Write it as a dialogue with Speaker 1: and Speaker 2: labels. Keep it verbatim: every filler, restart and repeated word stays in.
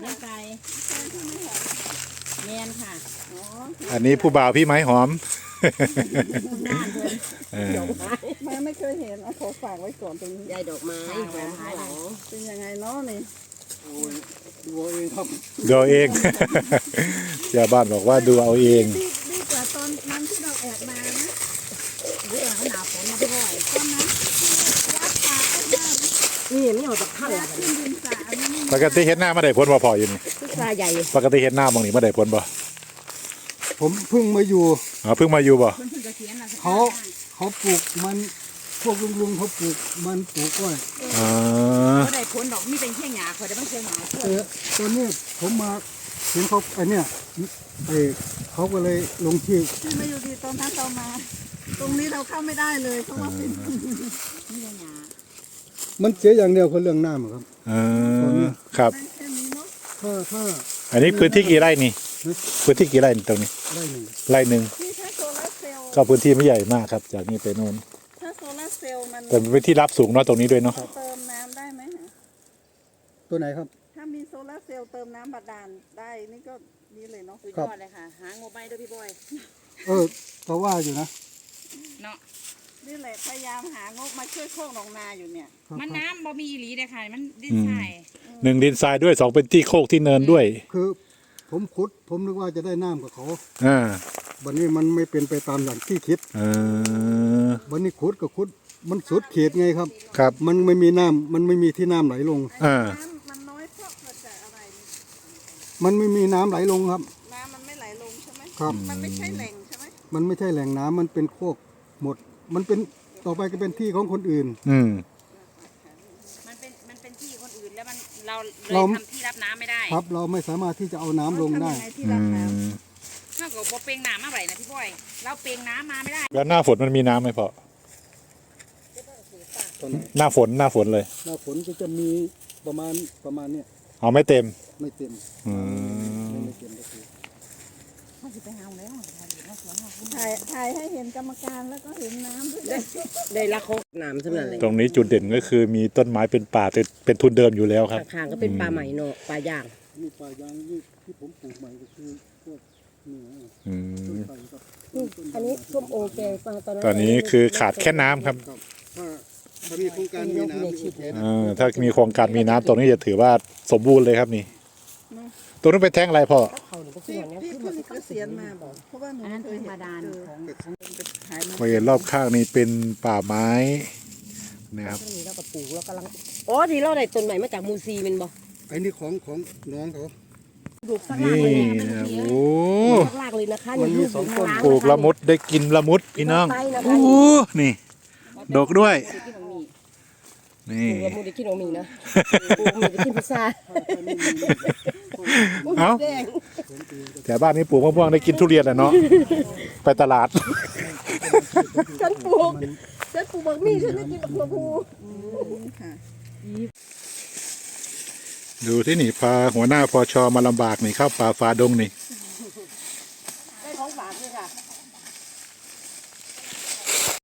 Speaker 1: น้ำใจแมนค่ะ
Speaker 2: อันนี้ผู้บ่าวพี่ไม้หอม
Speaker 1: บ้านเพิ่น
Speaker 2: เออ
Speaker 1: ดอกไม้
Speaker 3: มาไม่เคยเห็นเอาขอฝากไว้ก่อนตรงนี้
Speaker 1: ยายดอกไม้หอมข้างหลัง
Speaker 3: เป็นยังไงเนาะนี่
Speaker 4: ดูเองครับ
Speaker 2: ดูเอาเอง ชาวบ้านบอกว่าดูเอาเอง
Speaker 3: ดีดีกว่าตอนนั้นที่เราแอบมานะ
Speaker 1: เรื่องหนาวฝนมาพี่บ่อย
Speaker 3: ตอนนั้นยัดปากเข้ามา
Speaker 1: นี่ไม่ออกจากถ้ำ
Speaker 3: ยัดขึ้นดินสาอันนี้
Speaker 2: ปกติเห็นหน้ามาได้พ้นบ่พออยู่นี่
Speaker 1: พุทราใหญ่
Speaker 2: ปกติเห็นหน้าบางนี่มาได้พ้นบ่
Speaker 4: ผมเพิ่งมาอยู่
Speaker 2: อ๋อเพิ่งมาอยู่บ่
Speaker 1: เพิ่นเพิ่งจะเขียนนะ
Speaker 4: เขาเขาปลูกมันพวกลุงลุงๆเขาปลูกมันปลูกอ้อย
Speaker 2: อ๋อ
Speaker 1: ก็ได้ผลดอกมีเป็นแค่หญ้าเขาได้บางเชียงหญ้าช่วย
Speaker 4: เออตอนนี้ผมมาเห็นเขาไอเนี่ยไอเขาก็เลยลงชื่อ
Speaker 3: ที่มาอยู่ดีตอนนั้นเรามา ตรงนี้เราเข้าไม่ได้เลยเพราะว่าเป็น
Speaker 1: มีแต่หญ้า
Speaker 4: มันเสียอย่างเดียวคือเรื่องน้ำอะครับ
Speaker 2: เออครับ
Speaker 3: แค่นี้เนาะ
Speaker 4: ถ้าถ้า
Speaker 2: อันนี้พื้นที่กี่ไร่นี่ พื้นที่กี่ไร่ตรงนี้
Speaker 4: ได้หนึ่ง
Speaker 2: ไร่หนึ่ง
Speaker 3: นี่ถ้าโซลาร์เซลล์
Speaker 2: ก็พื้นที่ไม่ใหญ่มากครับ จากนี้ไปโน่น
Speaker 3: ถ้าโซลาร์เซลล์มัน
Speaker 2: แต่เป็นพื้นที่รับสูงเนาะตรงนี้ด้วยเนาะ
Speaker 3: เติมน้ำได้ไหมฮะ
Speaker 4: ตัวไหนครับ
Speaker 3: ถ้ามีโซลาร์เซลล์เติมน้ำบาดาลได้นี่ก็นี่เลยเนาะ
Speaker 1: สุดยอดเลยค่ะหางบไปด้วยพี่บอย
Speaker 4: เออก็ว่าอยู่นะ
Speaker 1: เนาะ
Speaker 3: นี่แหละพยายามหางบมาช่วยโคกหนองนาอยู่เนี่ย
Speaker 4: ครับ
Speaker 1: มัน
Speaker 4: ครับ
Speaker 1: น้ำบ่มีอีหลีเด้อค่ะมันดินทราย
Speaker 2: หนึ่งดินทรายด้วยสองเป็นที่โคกที่เนินด้วย
Speaker 4: คือผมขุด ผมนึกว่าจะได้น้ำกับเขา
Speaker 2: อ่า
Speaker 4: วันนี้มันไม่เป็นไปตามอย่างที่คิด
Speaker 2: เออ
Speaker 4: วันนี้ขุดก็ขุด มันสุดเขตไงครับ
Speaker 2: ครับ
Speaker 4: มันไม่มีน้ำมันไม่มีที่น้ำไหลลง
Speaker 2: อ่า
Speaker 3: น้ำมันน้อยเพราะเกิดจากอะไรนี่
Speaker 4: มันไม่มีน้ำไหลลงครับ
Speaker 3: น้ำมันไม่ไหลลงใช่ไหม
Speaker 4: ครับ
Speaker 3: มันไม่ใช่แหล่งใช่ไหม
Speaker 4: มันไม่ใช่แหล่งน้ำมันเป็นโคกหมด มันเป็นต่อไปก็เป็นที่ของคนอื่น
Speaker 2: อืม
Speaker 1: มันเป็นมันเป็นที่คนอื่นแล้วมันเราเลย
Speaker 4: เรา
Speaker 1: ทำที่รับน้ำไม่ได้
Speaker 4: ครับเราไม่สามารถที่จะเอาน้ำลงได้
Speaker 3: ทำยังไงที่
Speaker 2: อื
Speaker 3: รับน้
Speaker 2: ม
Speaker 1: ถ้าเกิดบ่เปลงน้ำมาไหลนะพี่บอย เราเปลงน้ำมาไม่ได้
Speaker 2: แล้วหน้าฝนมันมีน้ำไหมพ่อ
Speaker 4: ตอนนี้
Speaker 2: หน้าฝนหน้าฝนเลย
Speaker 4: หน้าฝนก็จะมีประมาณประมาณเนี้ย
Speaker 2: เอาไม่เต็ม
Speaker 4: ไม่เต็ม
Speaker 2: อืม
Speaker 4: ไม่เต็มก็คือ
Speaker 1: เขาสิไปหาแล้วถ่ายอยู่หน้าสวนเรา
Speaker 3: ำถ่ายถ่ายให้เห็นกรรมการแล้วก็เห็นน้ำด้วย
Speaker 1: ได้ละโคกน้ำสำหรับเลย
Speaker 2: ตรงนี้จุดเด่นก็คือมีต้นไม้เป็นป่าเป็นเป็นทุนเดิมอยู่แล้วครับ
Speaker 1: ข้างๆก็เป็นปลาใหม่เนาะปลาย่าง
Speaker 4: มีป่ายางที่ที่ผมปลูกใหม่ก็คือพวกเหนือ
Speaker 2: อื
Speaker 4: ต้น
Speaker 2: ม
Speaker 4: ไทรกับ
Speaker 1: อันนี้ส้มโอแกงตอนนั้น
Speaker 2: ตอนนี้คือขาดแค่น้ำครับ
Speaker 4: ครับถ้าถ้ามีโครงการมีน้ำโอเคนะ
Speaker 2: เออถ้ามีโครงการมีน้ำตรงนี้จะถือว่าสมบูรณ์เลยครับนี่ตรงนู้นเป็นแท่งอะไรพ่อ
Speaker 1: เขาหนูก็
Speaker 3: พี่
Speaker 1: ส่วนนี้
Speaker 3: พี่เพิ่งเกษียณมาบอกเพราะว่าหนู
Speaker 1: อันนั้น
Speaker 3: เค
Speaker 1: ธร
Speaker 3: ย
Speaker 1: รม
Speaker 3: เห็น
Speaker 1: ดา
Speaker 3: เจอ
Speaker 1: ของ
Speaker 3: ขายมา
Speaker 2: บริเวณรอบข้างนี้เป็นป่าไม้นะครับ
Speaker 1: นี้เราก็ปลูกเรากำลังอ๋อที่เราได้ต้นใหม่มาจากมูซีเป็นบ่
Speaker 4: ไอ้นี่ของของน้องเขา
Speaker 1: ปลูกสักลาก
Speaker 2: นี่
Speaker 1: เลย
Speaker 2: นะ
Speaker 1: นะ
Speaker 2: โอ้
Speaker 1: สักลากเลยนะคะ
Speaker 4: มันมีสองต้น
Speaker 2: ปลูกละมุดได้กินละมุดพี่น้องโอ้นี่ ดกด้วย นี่
Speaker 1: ปลูกละมุดได้กินโอมีนะปลูกมีได้กินพิซซ่า
Speaker 2: เอ้า
Speaker 1: แดง
Speaker 2: แต่บ้านนี้ปลูกมะม่วงได้กินทุเรียนแหละเนาะไปตลาด
Speaker 1: ฉันปลูกฉันปลูกบักมี่ฉันได้กินบักถั่วพู
Speaker 3: ค่ะ
Speaker 2: ดูที่นี่พาหัวหน้าพอชอมาลำบากนี่เข้าป่าฟ้าดงนี่